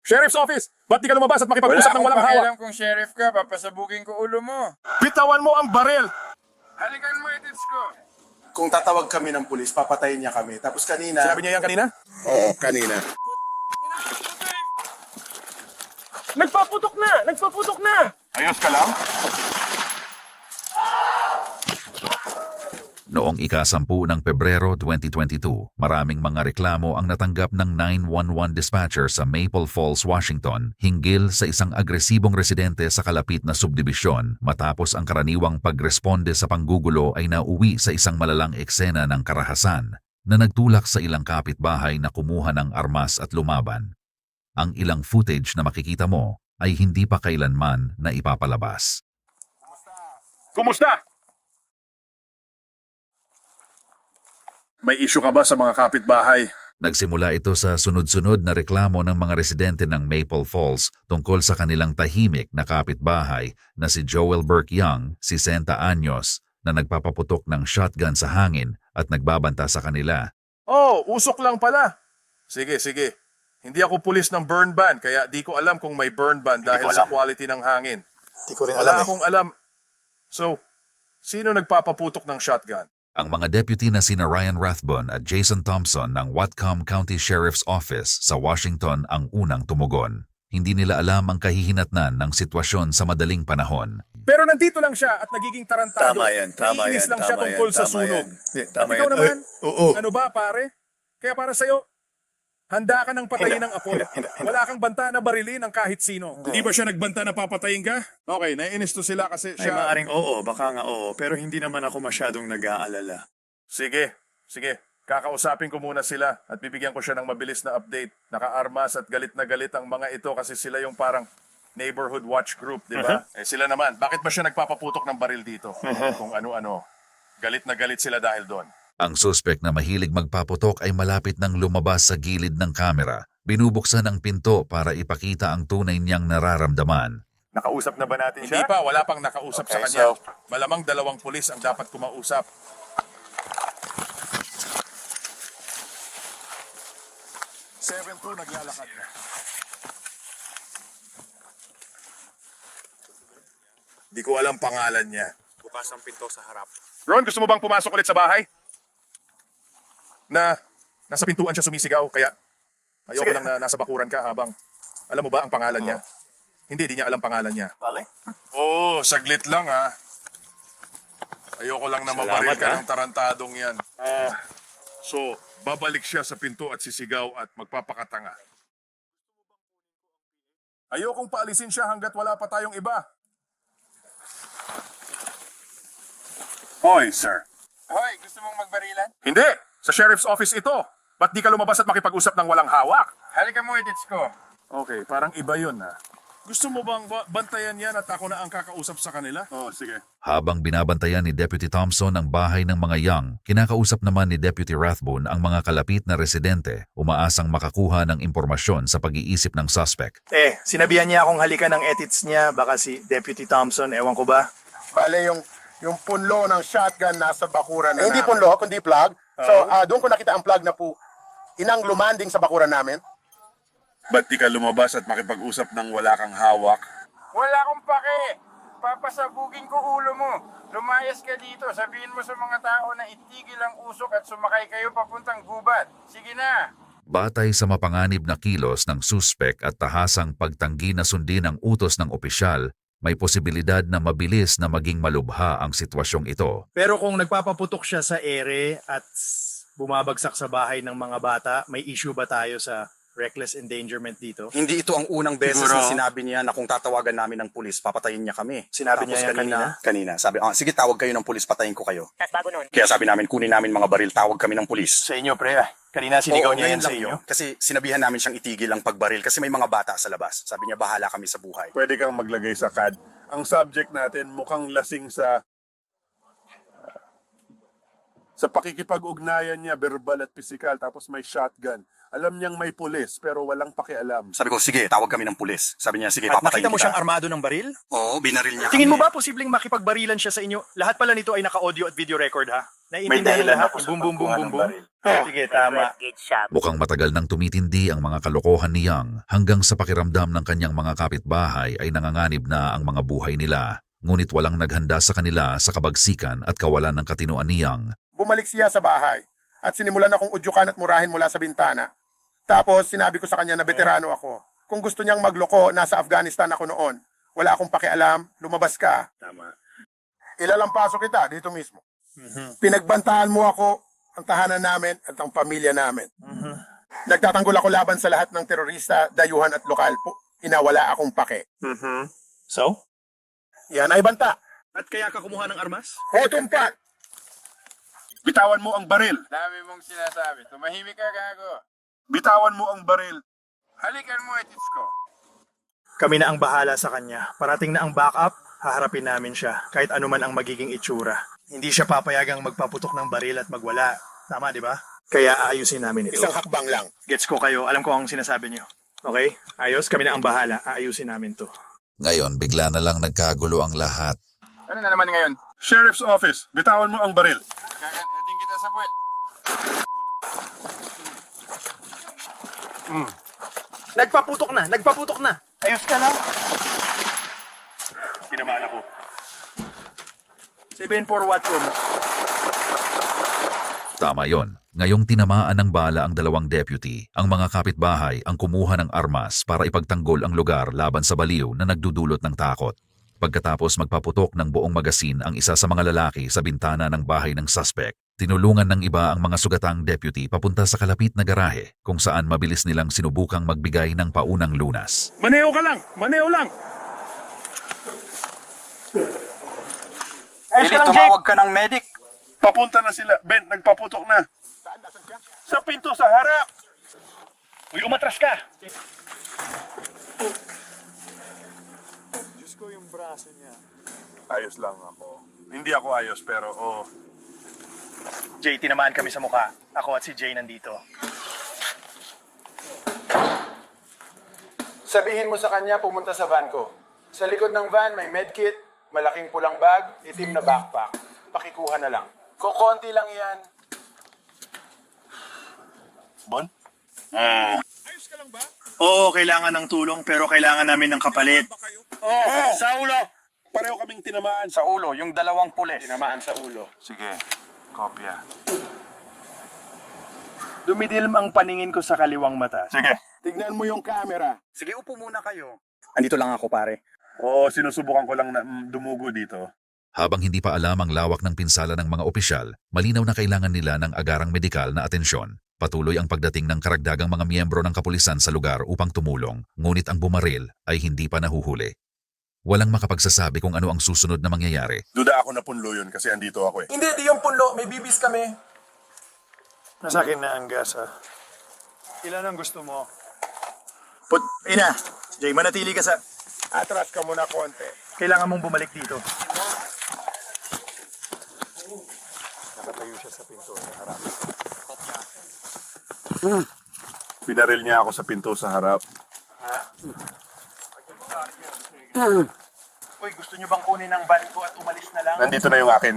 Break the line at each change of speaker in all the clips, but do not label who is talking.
Sheriff's Office! Ba't di ka lumabas at makipag-usap ng walang hawak?
Wala akong kung sheriff ka, papasabugin ko ulo mo.
Bitawan mo ang baril!
Halikan mo edits ko.
Kung tatawag kami ng pulis, papatayin niya kami. Tapos kanina...
Sinabi niya yan kanina?
Oo, kanina.
Nagpaputok na! Nagpaputok na!
Ayos ka lang?
Noong ika-10 ng Pebrero 2022, maraming mga reklamo ang natanggap ng 911 dispatcher sa Maple Falls, Washington hinggil sa isang agresibong residente sa kalapit na subdibisyon matapos ang karaniwang pagresponde sa panggugulo ay nauwi sa isang malalang eksena ng karahasan na nagtulak sa ilang kapitbahay na kumuha ng armas at lumaban. Ang ilang footage na makikita mo ay hindi pa kailanman na ipapalabas.
Kumusta? May issue ka ba sa mga kapitbahay?
Nagsimula ito sa sunod-sunod na reklamo ng mga residente ng Maple Falls tungkol sa kanilang tahimik na kapitbahay na si Joel Burke Young, 60 anyos, na nagpapaputok ng shotgun sa hangin at nagbabanta sa kanila.
Oh, usok lang pala. Sige, sige. Hindi ako pulis ng burn ban, kaya di ko alam kung may burn ban dahil sa quality ng hangin.
Hindi ko rin
Wala
alam eh.
akong alam. So, sino nagpapaputok ng shotgun?
Ang mga deputy na sina Ryan Rathbun at Jason Thompson ng Whatcom County Sheriff's Office sa Washington ang unang tumugon. Hindi nila alam ang kahihinatnan ng sitwasyon sa madaling panahon.
Pero nandito lang siya at nagiging tarantado.
Tama yan, tama
Naiinis
yan,
lang siya
tama
tungkol
yan,
sa
tama
sunog.
yan. Tama
Ikaw
yan.
naman,
Oo.
ano ba pare? Kaya para sa'yo, handa ka ng patayin ng apoy. Wala kang banta na barilin ng kahit sino. Hindi ba siya nagbanta na papatayin ka? Okay, naiinis to sila kasi
Ay,
siya...
maaring oo, baka nga oo, pero hindi naman ako masyadong nag-aalala.
Sige, sige. Kakausapin ko muna sila at bibigyan ko siya ng mabilis na update. Naka-armas at galit na galit ang mga ito kasi sila yung parang neighborhood watch group, di ba? Eh sila naman, bakit ba siya nagpapaputok ng baril dito? Kung ano-ano. Galit na galit sila dahil doon.
Ang suspect na mahilig magpaputok ay malapit nang lumabas sa gilid ng kamera. Binubuksan ang pinto para ipakita ang tunay niyang nararamdaman.
Nakausap na ba natin siya? Hindi pa, wala pang nakausap sa
Okay,
kanya.
so-
Malamang 2 pulis ang dapat kumausap. Seven two, naglalakad na. Di ko alam pangalan niya.
Bukas ang pinto sa harap.
Ron, gusto mo bang pumasok ulit sa bahay? Nasa pintuan siya sumisigaw, kaya ayoko lang na nasa bakuran ka habang... Alam mo ba ang pangalan niya? Hindi, di niya alam pangalan niya.
Bale?
Oo, saglit lang ha. Ayoko lang na mabaril ka
ha?
ng tarantadong yan. So, babalik siya sa pinto at sisigaw at magpapakatanga. Ayokong paalisin siya hanggat wala pa tayong iba. Hoy, sir.
Hoy, gusto mong magbarilan?
Hindi! Sa sheriff's office ito. Ba't di ka lumabas at makipag-usap ng walang hawak?
Halikan mo edits ko.
Okay, parang iba yun ha. Gusto mo bang bantayan yan at ako na ang kakausap sa kanila? Oo, sige.
Habang binabantayan ni Deputy Thompson ang bahay ng mga Young, kinakausap naman ni Deputy Rathbun ang mga kalapit na residente, umaasang makakuha ng impormasyon sa pag-iisip ng suspect.
Sinabihan niya akong halikan ng edits niya, baka si Deputy Thompson, ewan ko ba?
Bale, yung punlo ng shotgun nasa bakuran na hindi punlo, kundi plug. So, doon ko nakita ang plug na po inang lumanding sa bakuran namin.
Ba't di ka lumabas at makipag-usap ng wala kang hawak?
Wala akong pake. Papasabugin ko ulo mo. Lumayas ka dito. Sabihin mo sa mga tao na itigil ang usok at sumakay kayo papuntang gubat. Sige na.
Batay sa mapanganib na kilos ng suspect at tahasang pagtanggi na sundin ang utos ng opisyal, may posibilidad na mabilis na maging malubha ang sitwasyong ito.
Pero kung nagpapaputok siya sa ere at bumabagsak sa bahay ng mga bata, may issue ba tayo sa reckless endangerment dito?
Hindi ito ang unang beses
Siguro.
na sinabi niya na kung tatawagan namin ng pulis, papatayin niya kami.
Sinabi niya yan
Kanina. Sabi, sige tawag kayo ng pulis, patayin ko kayo.
Tapos bago nun,
Kaya sabi namin, kunin namin mga baril, tawag kami ng pulis.
Sa inyo, pre. Kanina sinigaw niya
ngayon
yan sa
lang
inyo.
yun. Kasi sinabihan namin siyang itigil ang pagbaril kasi may mga bata sa labas. Sabi niya, bahala kami sa buhay.
Pwede kang maglagay sa CAD. Ang subject natin mukhang lasing sa pakikipag-ugnayan niya, verbal at physical, tapos may shotgun. Alam niyang may pulis pero walang pakialam.
Sabi ko, sige, tawag kami ng pulis. Sabi niya, sige,
At
papatayin
nakita mo
kita.
siyang armado ng baril?
Oo, binaril niya
Tingin mo
kami.
ba posibleng makipagbarilan siya sa inyo? Lahat pala nito ay naka-audio at video record, ha? Naiintindihan ng lahat? Boom, boom, boom, boom, boom. Sige, tama.
Mukhang matagal nang tumitindi ang mga kalokohan ni Yang hanggang sa pakiramdam ng kanyang mga kapitbahay ay nanganganib na ang mga buhay nila. Ngunit walang naghanda sa kanila sa kabagsikan at kawalan ng katinoan ni Yang.
Bumalik siya sa bahay at sinimulan akong udyukan at murahin mula sa bintana. Tapos sinabi ko sa kanya na veterano ako. Kung gusto niyang magloko, nasa Afghanistan ako noon. Wala akong pakialam, lumabas ka.
Tama.
Ilalampaso kita dito mismo. Pinagbantaan mo ako, ang tahanan namin at ang pamilya namin. Nagtatanggol ako laban sa lahat ng terorista, dayuhan at lokal po. Inawala akong pake.
So?
Yan ay banta.
At kaya ka kumuha ng armas?
O tumpak!
Bitawan mo ang baril.
Dami mong sinasabi. Tumahimik ka, gago.
Bitawan mo ang baril.
Halikan mo, etits ko.
Kami na ang bahala sa kanya. Parating na ang backup, haharapin namin siya. Kahit ano man ang magiging itsura. Hindi siya papayagang magpaputok ng baril at magwala. Tama, di ba? Kaya aayusin namin ito.
Isang hakbang lang.
Gets ko kayo. Alam ko ang sinasabi niyo. Okay? Ayos, kami na ang bahala. Aayusin namin to.
Ngayon bigla na lang nagkagulo ang lahat.
Ano na naman ngayon?
Sheriff's Office, bitawan mo ang baril.
Kakating kita sa puwet.
Nagpaputok na. Ayos ka lang. Tinamaan ako. 7-4 watch room.
Tama yon. Ngayong tinamaan ng bala ang dalawang deputy, ang mga kapitbahay ang kumuha ng armas para ipagtanggol ang lugar laban sa baliw na nagdudulot ng takot. Pagkatapos magpaputok ng buong magasin ang isa sa mga lalaki sa bintana ng bahay ng suspect, tinulungan ng iba ang mga sugatang deputy papunta sa kalapit na garahe kung saan mabilis nilang sinubukang magbigay ng paunang lunas.
Maneo ka lang! Maneo lang!
Billy, tumawag ka ng medic.
Papunta na sila. Ben, nagpaputok na. Sa pinto sa harap!
Uy, umatras ka! Diyos ko yung braso niya.
Ayos lang ako. Hindi ako ayos pero
Jay, tinamaan kami sa mukha. Ako at si Jay nandito.
Sabihin mo sa kanya pumunta sa van ko. Sa likod ng van may medkit, malaking pulang bag, itim na backpack. Pakikuha na lang. Kukonti lang yan.
Bon?
Oo, kailangan ng tulong pero kailangan namin ng kapalit.
Sa ulo! Pareho kaming tinamaan.
Sa ulo, yung dalawang pulis.
Tinamaan sa ulo.
Sige, kopya.
Dumidilim ang paningin ko sa kaliwang mata.
Sige.
Tignan mo yung camera.
Sige, upo muna kayo. Andito lang ako, pare.
Oo, sinusubukan ko lang na dumugo dito.
Habang hindi pa alam ang lawak ng pinsala ng mga opisyal, malinaw na kailangan nila ng agarang medikal na atensyon. Patuloy ang pagdating ng karagdagang mga miyembro ng kapulisan sa lugar upang tumulong, ngunit ang bumaril ay hindi pa nahuhuli. Walang makapagsasabi kung ano ang susunod na mangyayari.
Duda ako na punlo yun kasi andito ako eh.
Hindi, di yung punlo. May bibis kami.
Nasa akin na ang gas, ha? Ilan ang gusto mo?
Ina,
Jay, manatili ka sa...
atras ka muna konti.
Kailangan mong bumalik dito.
Pinaril niya ako sa pinto sa harap.
Uy, gusto nyo bang kunin ang van ko at umalis na lang?
Nandito na yung akin.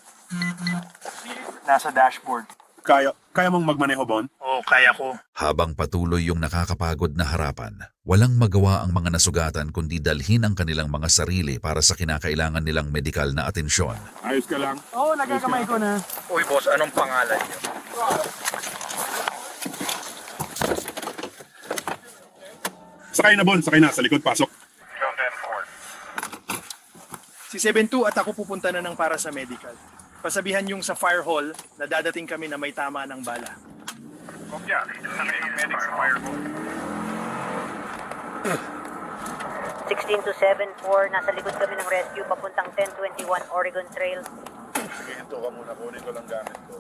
Nasa dashboard.
Kaya mong magmaneho, Bon?
Oo, kaya ko.
Habang patuloy yung nakakapagod na harapan, walang magawa ang mga nasugatan kundi dalhin ang kanilang mga sarili para sa kinakailangan nilang medikal na atensyon.
Ayos ka lang.
Oo, nagakamay ko na.
Uy, boss, anong pangalan niyo?
Sakay na, Bon. Sakay na. Sa likod, pasok.
Si 7-2 at ako pupunta na ng para sa medical. Pasabihan yung sa fire hall na dadating kami na may tama ng bala.
Kopya, ng medic sa fire hall.
16 to 7-4, nasa likod kami ng rescue papuntang 1021 Oregon Trail.
Sige, hinto ka muna. Kunin ko lang gamit ko.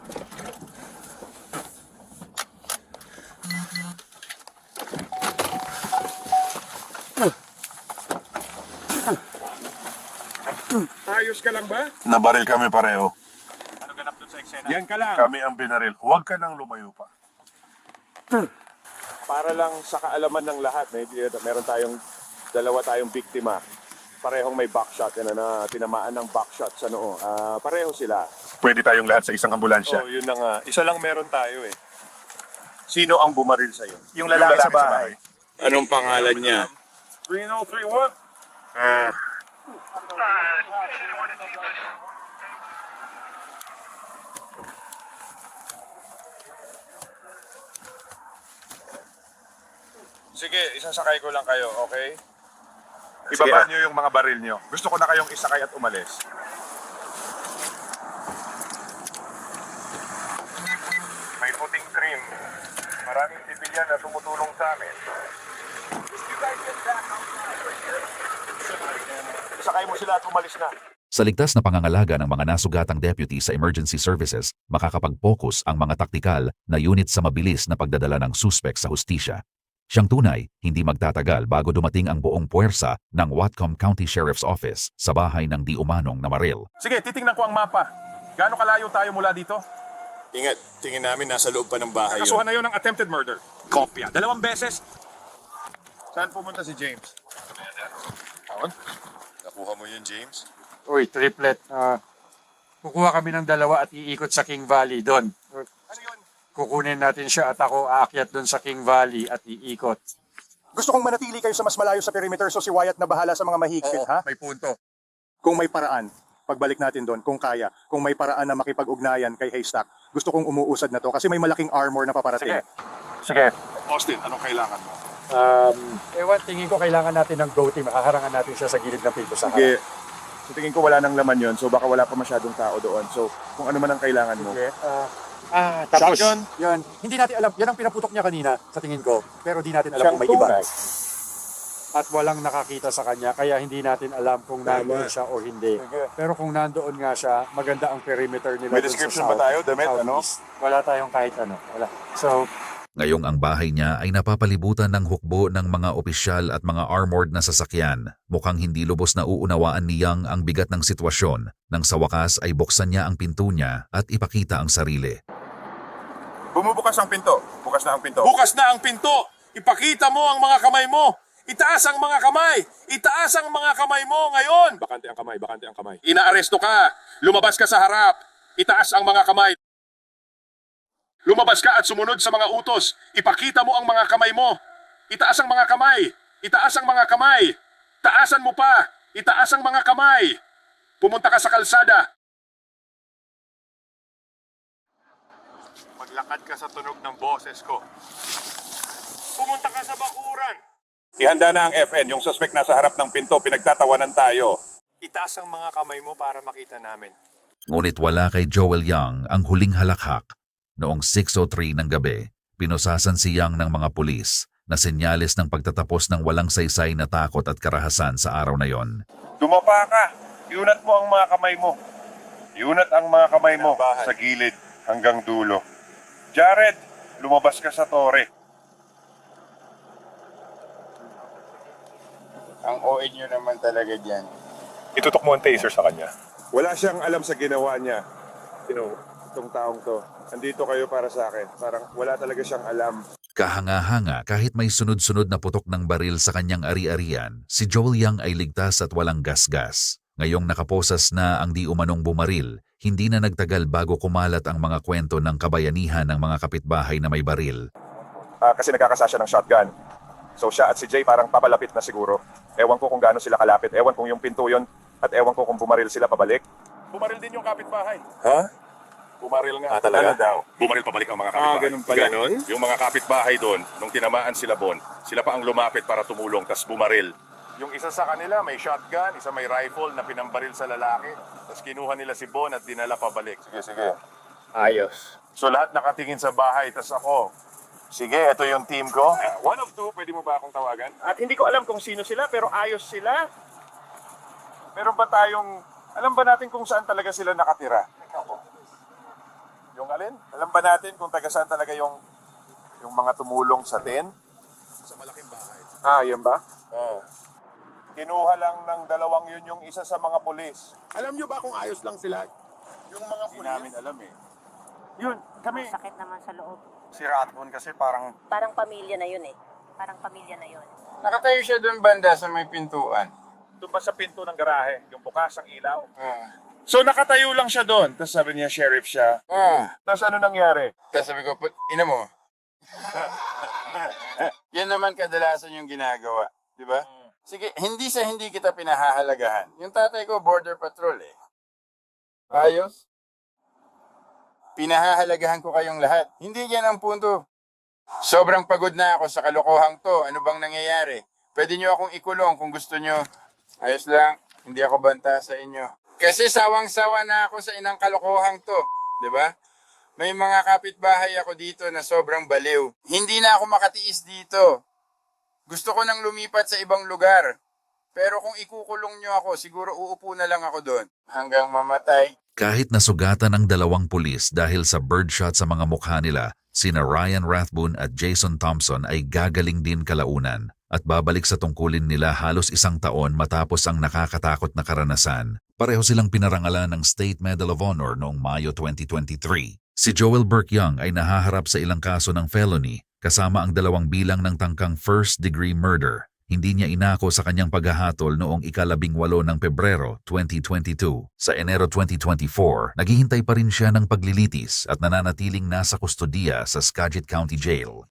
Ayos ka lang ba?
Nabaril kami pareho.
Ano ganap dun sa eksena?
Yan ka lang.
Kami ang binaril. Huwag ka nang lumayo pa.
para lang sa kaalaman ng lahat, meron dalawa tayong biktima. Parehong may backshot, na tinamaan ng backshot sa noo. Pareho sila.
Pwede tayong lahat sa isang ambulansya.
So, yun na nga. Isa lang meron tayo eh. Sino ang bumaril sa'yo?
Yung lalaki sa bahay.
Anong pangalan niya?
3031.
Sige, isasakay ko lang kayo, okay?
Ibaba niyo yung mga baril niyo. Gusto ko na kayong isakay at umalis.
May puting trim. Maraming sibilyan na tumutulong sa amin. Isakay mo sila at umalis na.
Sa ligtas na pangangalaga ng mga nasugatang deputy sa emergency services, makakapag-focus ang mga taktikal na unit sa mabilis na pagdadala ng suspek sa hustisya. Siyang tunay, hindi magtatagal bago dumating ang buong puwersa ng Whatcom County Sheriff's Office sa bahay ng di umanong na maril.
Sige, titingnan ko ang mapa. Gaano kalayo tayo mula dito?
Ingat, tingin namin nasa loob pa ng bahay yun.
Kasuhan na yun ng attempted murder. Kopya. 2 beses.
Saan pumunta si James?
Nakuha mo yun, James?
Uy, triplet. Kukuha kami ng 2 at iikot sa King Valley doon.
Ano yun?
Kukunin natin siya at ako aakyat doon sa King Valley at iikot.
Gusto kong manatili kayo sa mas malayo sa perimeter so si Wyatt na bahala sa mga mahigpit, ha?
May punto.
Kung may paraan, pagbalik natin doon, kung kaya, kung may paraan na makipag-ugnayan kay Haystack, gusto kong umuusad na to kasi may malaking armor na paparating.
Sige.
Austin, anong kailangan mo?
Tingin ko kailangan natin ng go team. Makaharangan natin siya sa gilid ng pinto sa
Sige. So, tingin ko wala nang laman yon, so baka wala pa masyadong tao doon. So, kung ano man ang kailangan mo.
Sige. Tapos,
Shotgun?
yun. Hindi natin alam. Yan ang pinaputok niya kanina sa tingin ko. Pero di natin alam kung may iba. At walang nakakita sa kanya. Kaya hindi natin alam kung nandoon siya o hindi. Pero kung nandoon nga siya, maganda ang perimeter nila.
May
dun sa
description
south-
ba tayo, damit, ano?
southeast. Wala tayong kahit ano. Wala. So,
Ngayong ang bahay niya ay napapalibutan ng hukbo ng mga opisyal at mga armored na sasakyan. Mukhang hindi lubos na uunawaan ni Yang ang bigat ng sitwasyon nang sa wakas ay buksan niya ang pinto niya at ipakita ang sarili.
Bumubukas ang pinto. Bukas na ang pinto.
Bukas na ang pinto! Ipakita mo ang mga kamay mo! Itaas ang mga kamay! Itaas ang mga kamay mo ngayon!
Bakante ang kamay, bakante ang kamay.
Inaaresto ka! Lumabas ka sa harap! Itaas ang mga kamay! Lumabas ka at sumunod sa mga utos! Ipakita mo ang mga kamay mo! Itaas ang mga kamay! Itaas ang mga kamay! Taasan mo pa! Itaas ang mga kamay! Pumunta ka sa kalsada!
Maglakad ka sa tunog ng boses ko.
Pumunta ka sa bakuran!
Ihanda na ang FN. Yung suspect nasa harap ng pinto. Pinagtatawanan tayo.
Itaas ang mga kamay mo para makita namin.
Ngunit wala kay Joel Yang ang huling halakhak. Noong 6:03 ng gabi, pinusasan si Yang ng mga pulis na senyales ng pagtatapos ng walang saysay na takot at karahasan sa araw na yon.
Dumapa ka. Iunat mo ang mga kamay mo. Iunat ang mga kamay mo sa gilid hanggang dulo. Jared, lumabas ka sa tore.
Ang OA nyo naman talaga dyan.
Itutok mo ang taser sa kanya.
Wala siyang alam sa ginawa niya. Itong taong to. Andito kayo para sa akin. Parang wala talaga siyang alam.
Kahanga-hanga kahit may sunod-sunod na putok ng baril sa kanyang ari-arian, si Joel Yang ay ligtas at walang gasgas. Ngayong nakaposas na ang di umanong bumaril, hindi na nagtagal bago kumalat ang mga kwento ng kabayanihan ng mga kapitbahay na may baril.
Kasi nagkakasa siya ng shotgun. So siya at si Jay parang papalapit na siguro. Ewan ko kung gaano sila kalapit. Ewan kung yung pinto yun. At ewan ko kung bumaril sila pabalik. Bumaril din yung kapitbahay.
Ha?
Bumaril nga.
Talaga?
Ano daw? Bumaril pabalik ang mga kapitbahay.
ganun pala. Ganon?
Yung mga kapitbahay doon, nung tinamaan sila Bon, sila pa ang lumapit para tumulong, tas bumaril. Yung isa sa kanila may shotgun, isa may rifle na pinambaril sa lalaki. Tapos kinuha nila si Bon at dinala pabalik. Sige.
Ayos.
So lahat nakatingin sa bahay, tas ako, sige, ito yung team ko.
One of two, pwede mo ba akong tawagan?
At hindi ko alam kung sino sila, pero ayos sila. Meron ba tayong, alam ba natin kung saan talaga sila nakatira? Yung alin? Alam ba natin kung taga saan talaga yung mga tumulong sa tin? Sa malaking bahay. Yan ba? Oo. Kinuha lang ng dalawang yun yung isa sa mga pulis.
Alam nyo ba kung ayos lang sila? Yung mga
Hindi namin alam eh.
Yun, kami. Sakit naman sa loob.
Si Rathbone kasi parang
Parang pamilya na yun eh. Parang pamilya na yun.
Nakatayo siya doon banda sa may pintuan.
Doon ba sa pinto ng garahe, yung bukas ang ilaw?
Ah.
So nakatayo lang siya doon. Tapos sabi niya, sheriff siya. Tapos ano nangyari?
Tapos sabi ko, ina mo. Yan naman kadalasan yung ginagawa. Di ba? Sige, hindi kita pinahahalagahan. Yung tatay ko, border patrol eh. Ayos? Pinahahalagahan ko kayong lahat. Hindi yan ang punto. Sobrang pagod na ako sa kalokohang to. Ano bang nangyayari? Pwede nyo akong ikulong kung gusto nyo. Ayos lang, hindi ako banta sa inyo. Kasi sawang-sawa na ako sa inang kalokohang to. Di ba? May mga kapitbahay ako dito na sobrang baliw. Hindi na ako makatiis dito. Gusto ko nang lumipat sa ibang lugar. Pero kung ikukulong nyo ako, siguro uupo na lang ako doon. Hanggang mamatay.
Kahit nasugatan ang 2 pulis dahil sa birdshot sa mga mukha nila, sina Ryan Rathbone at Jason Thompson ay gagaling din kalaunan at babalik sa tungkulin nila halos 1 taon matapos ang nakakatakot na karanasan. Pareho silang pinarangalan ng State Medal of Honor noong Mayo 2023. Si Joel Burke Young ay nahaharap sa ilang kaso ng felony kasama ang 2 bilang ng tangkang first-degree murder. Hindi niya inako sa kanyang paghahatol noong ika-18 ng Pebrero 2022. Sa Enero 2024, naghihintay pa rin siya ng paglilitis at nananatiling nasa kustodiya sa Skagit County Jail.